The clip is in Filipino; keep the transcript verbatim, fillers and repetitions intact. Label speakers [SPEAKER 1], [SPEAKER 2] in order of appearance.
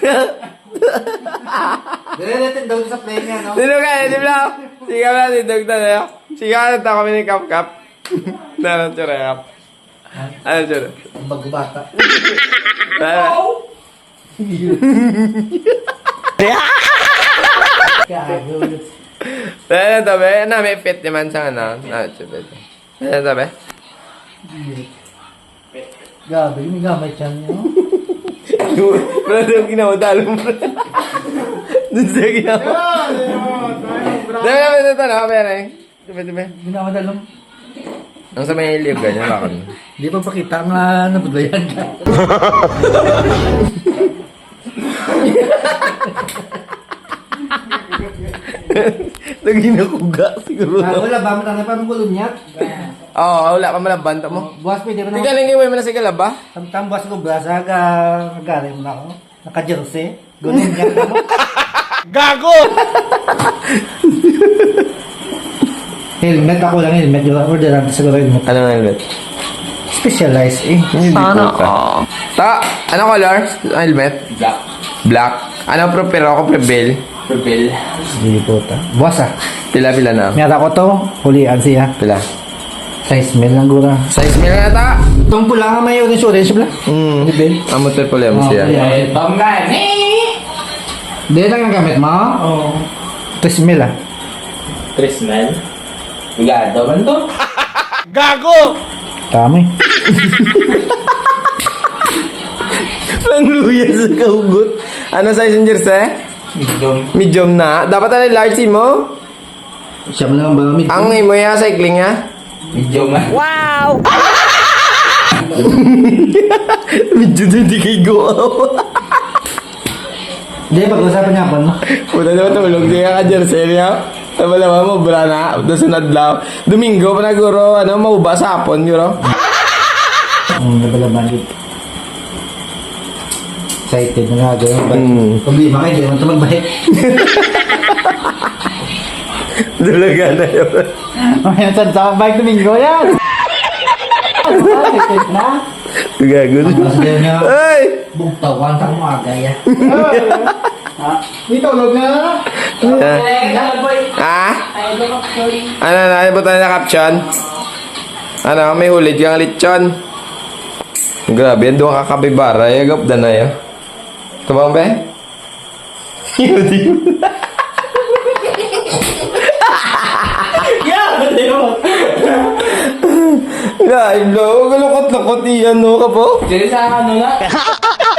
[SPEAKER 1] Dili natin daw sa play niya, no?
[SPEAKER 2] Sino ka, di ba? Sigaw na, dindog na na. Sigaw na ta kami ni Kap Kap. Ano tsura, Kap? Ano tsura?
[SPEAKER 1] Ang bagbata.
[SPEAKER 2] Ano? Ano to, be? Ano, may fit naman sa ano? Ano tsura? Ano to, be?
[SPEAKER 1] Gabi, may gamay siya niyo.
[SPEAKER 2] Bro, doon ginawa, talo mo. Doon sa ginawa. Dami naman ito, no? Pero, eh. Diba, diba?
[SPEAKER 1] Ginawa dalong.
[SPEAKER 2] Ang sa may iliyog, ganyan, bakit?
[SPEAKER 1] Hindi pa pakita ang uh, nabudlayan ka.
[SPEAKER 2] Lagi na kuga, siguro.
[SPEAKER 1] Ah, wala ba? Matangay pa ng gulong niya?
[SPEAKER 2] Oo, wala ka malabanta mo.
[SPEAKER 1] Buwas pa, hindi mo
[SPEAKER 2] Tiga
[SPEAKER 1] naman.
[SPEAKER 2] lang yung may manasigal ba?
[SPEAKER 1] Tamtam buwas ko, buwas. Aga, agari mo na ako. Naka-jersey. Gulong niya ka mo.
[SPEAKER 2] Gago!
[SPEAKER 1] Helmet ako lang, helmet. Yung order natin siguro helmet.
[SPEAKER 2] Ano nga helmet?
[SPEAKER 1] Specialized eh.
[SPEAKER 2] Sana ka. Ta, ano color? Helmet?
[SPEAKER 3] Black.
[SPEAKER 2] Black. Ano pro pero ako prevail?
[SPEAKER 3] Purple.
[SPEAKER 1] Hindi po ta. Buwas ah.
[SPEAKER 2] Pila-pila na.
[SPEAKER 1] Miyata ko to, hulian siya.
[SPEAKER 2] Pila.
[SPEAKER 1] Size mil lang gura.
[SPEAKER 2] Size mil na ta.
[SPEAKER 1] Itong pula nga may orange orange pala.
[SPEAKER 2] Hmm.
[SPEAKER 1] Ibel.
[SPEAKER 2] Amo triple M
[SPEAKER 1] Oh,
[SPEAKER 2] siya.
[SPEAKER 1] yeah.
[SPEAKER 3] Eh, bangga. Eh!
[SPEAKER 1] Hindi lang ang gamit mo? Oo. tres mil ah.
[SPEAKER 3] Trisman. Ligado man to.
[SPEAKER 2] Gago!
[SPEAKER 1] Tama eh.
[SPEAKER 2] Langluya sa kaugot. Ano size ng jersey?
[SPEAKER 3] Medium.
[SPEAKER 2] Medium na. Dapat ano large mo?
[SPEAKER 1] Siya mo lang ba? Mid-
[SPEAKER 2] Ang imo ya cycling ya?
[SPEAKER 3] Medium man.
[SPEAKER 2] Wow! Medyo hindi kay go.
[SPEAKER 1] Hindi, pag-usapan niya pa no?
[SPEAKER 2] Puta naman tulog siya ka jersey niya. Tama naman mo, bra na. Doon sa nadlaw. Domingo pa na guro, ano, mauba sa hapon, guro.
[SPEAKER 1] Ang nabalaban dito. Excited na nga gano'n.
[SPEAKER 2] Hmm.
[SPEAKER 1] Problema kayo, hindi naman ito magbahit.
[SPEAKER 2] Dulaga na yun.
[SPEAKER 1] Mamaya saan sa bike Domingo yan. Excited na.
[SPEAKER 2] Gago.
[SPEAKER 1] Mas din nga.
[SPEAKER 2] Ay!
[SPEAKER 1] Bugtawan sa umaga yan. May tulog na.
[SPEAKER 2] Ah? Ano na, ano ba tayo na caption? Ano, may hulid kang lechon. Grabe, yan doon kakabibara. Yagap na na yun. Ito ba, be? Yun, yun. Live, lo. Galukot-lukot iyan, no, ka po?
[SPEAKER 3] Dili sa ano na.